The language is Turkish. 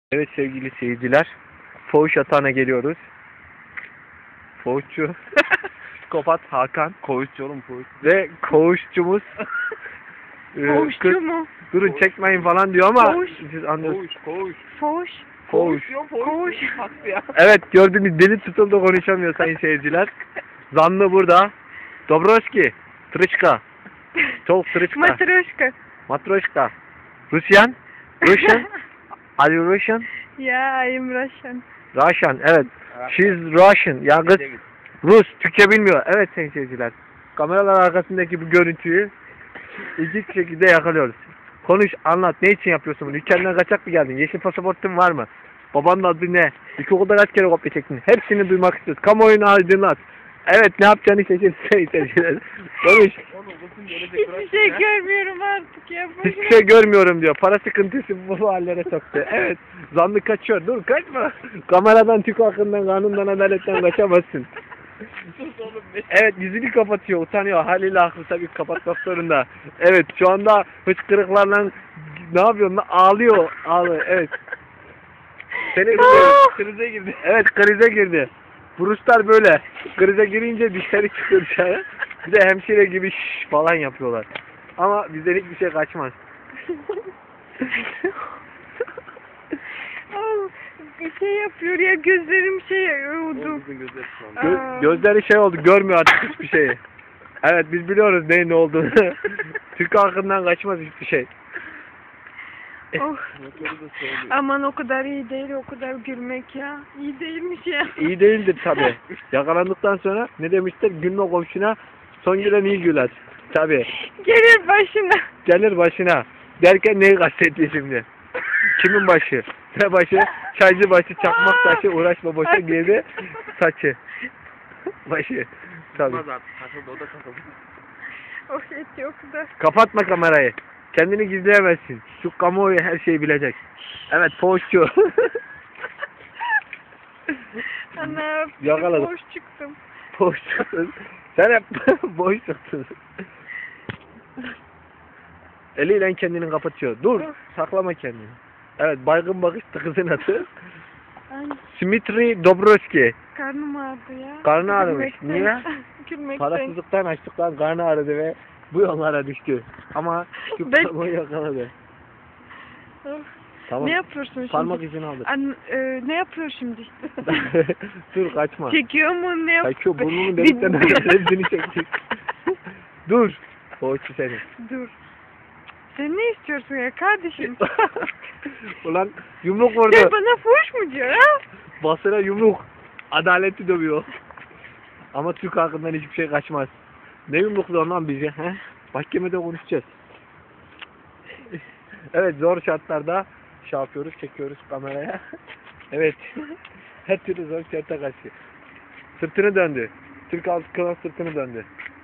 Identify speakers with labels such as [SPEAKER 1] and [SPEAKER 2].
[SPEAKER 1] Evet sevgili seyirciler, Fuhuş Atağı'na geliyoruz. Fuhuşçu, psikopat Hakan.
[SPEAKER 2] Koğuşçu oğlum koğuş.
[SPEAKER 1] Ve koğuşçumuz.
[SPEAKER 3] Fuhuşçu mu?
[SPEAKER 1] Durun çekmeyin falan diyor ama
[SPEAKER 3] Fuhuş.
[SPEAKER 1] siz anlıyorsunuz.
[SPEAKER 2] Koğuş.
[SPEAKER 3] Fuhuş.
[SPEAKER 1] Fuhuş.
[SPEAKER 3] Fuhuş.
[SPEAKER 1] Evet gördüğünüz deli tutuldu, konuşamıyor sayın seyirciler. Zanlı burada. Dobroski, Tırışka. Çok Tırışka.
[SPEAKER 3] Matryoshka.
[SPEAKER 1] Matroşka. Russian. Are you Russian?
[SPEAKER 3] Yeah, I am Russian.
[SPEAKER 1] Russian, evet. She's Russian. Ya kız Rus, Türkçe bilmiyor. Evet sayın seyirciler. Kameralar arkasındaki bu görüntüyü ilginç şekilde yakalıyoruz. Konuş, anlat. Ne için yapıyorsun bunu? Ülkenden kaçak mı geldin? Yeşil pasaportun var mı? Babanın adı ne? İlkokulda kaç kere kopya çektin? Hepsini duymak istiyoruz. Kamuoyunu aydınlat. Evet, ne yapacağını seçin sayın seyirciler. Konuş.
[SPEAKER 3] Hiçbir şey görmüyorum artık ya.
[SPEAKER 1] Hiçbir şey görmüyorum diyor. Para sıkıntısı bu hallere soktu. Evet. Zanlı kaçıyor. Dur kaçma. Kameradan, Türk hakkından, kanundan, adaletten kaçamazsın. Evet, yüzünü kapatıyor. Utanıyor. Haliyle haklı tabii, kapatmak zorunda. Evet, şu anda hıçkırıklarla ne yapıyorsun lan? Ağlıyor. Ağlıyor. Evet. Seni krize girdi. Evet, krize girdi. Bu Ruslar böyle. Krize girince dışarı çıkıyor dışarı. Bir de hemşire gibi şş falan yapıyorlar. Ama bizden hiçbir şey kaçmaz.
[SPEAKER 3] Bir şey yapıyor ya, gözlerim şey oldu.
[SPEAKER 1] Gözleri şey oldu, görmüyor artık hiçbir şeyi. Evet, biz biliyoruz neyin ne olduğunu. Türk halkından kaçmaz hiçbir şey.
[SPEAKER 3] Oh. Aman o kadar iyi değil, o kadar gülmek ya. İyi değilmiş ya.
[SPEAKER 1] İyi değildir tabi. Yakalandıktan sonra ne demişler? Gülme komşuna, son gülen iyi güler. Tabi.
[SPEAKER 3] Gelir başına.
[SPEAKER 1] Gelir başına. Derken neyi kastetti şimdi? Kimin başı? Ne başı? Çaycı başı, çakmak taşı, uğraşma boşa girdi saçı. Başı. Tabi.
[SPEAKER 2] Takıldı, o da takıldı.
[SPEAKER 3] Oh etti o kadar.
[SPEAKER 1] Kapatma kamerayı. Kendini gizleyemezsin. Şu kamuoyu her şeyi bilecek. Evet, poğuşçu.
[SPEAKER 3] Ana,
[SPEAKER 1] Yakaladım.
[SPEAKER 3] boş çıktım.
[SPEAKER 1] Poğuşçusun. Sen hep boş çıktın. Eliyle kendini kapatıyor. Dur, saklama kendini. Evet, baygın bakıştı kızın adı.
[SPEAKER 3] Ay,
[SPEAKER 1] Smitri Dobroski.
[SPEAKER 3] karnım ağrıdı ya.
[SPEAKER 1] Karnı ağrımış.
[SPEAKER 3] Gülmekten.
[SPEAKER 1] Niye?
[SPEAKER 3] Gülmekten.
[SPEAKER 1] Parasızlıktan, açlıktan karnı ağrıdı ve bu yollara düştü. Ama şu
[SPEAKER 3] Ben-
[SPEAKER 1] parmağı yakaladı.
[SPEAKER 3] Oh.
[SPEAKER 1] Tamam.
[SPEAKER 3] Ne yapıyorsun şimdi?
[SPEAKER 1] Parmak izini aldı.
[SPEAKER 3] Ne yapıyor şimdi?
[SPEAKER 1] Dur kaçma.
[SPEAKER 3] Çekiyor mu, ne yapıyor?
[SPEAKER 1] Kaçıyor, burnunun delikten hepsini çekti. Dur. Poğuşçu seni.
[SPEAKER 3] Dur. Sen ne istiyorsun ya kardeşim?
[SPEAKER 1] Ulan yumruk vurdu.
[SPEAKER 3] Sen bana fuhuş mu diyor ha?
[SPEAKER 1] Basına yumruk. Adaleti dövüyor. Ama Türk halkından hiçbir şey kaçmaz. Ne yumrukluyor lan bizi? He? Mahkemede konuşacağız. Evet, zor şartlarda şey yapıyoruz, çekiyoruz kameraya. Evet. Her türlü zor şarta karşı. Sırtını döndü. Türk halkına sırtını döndü.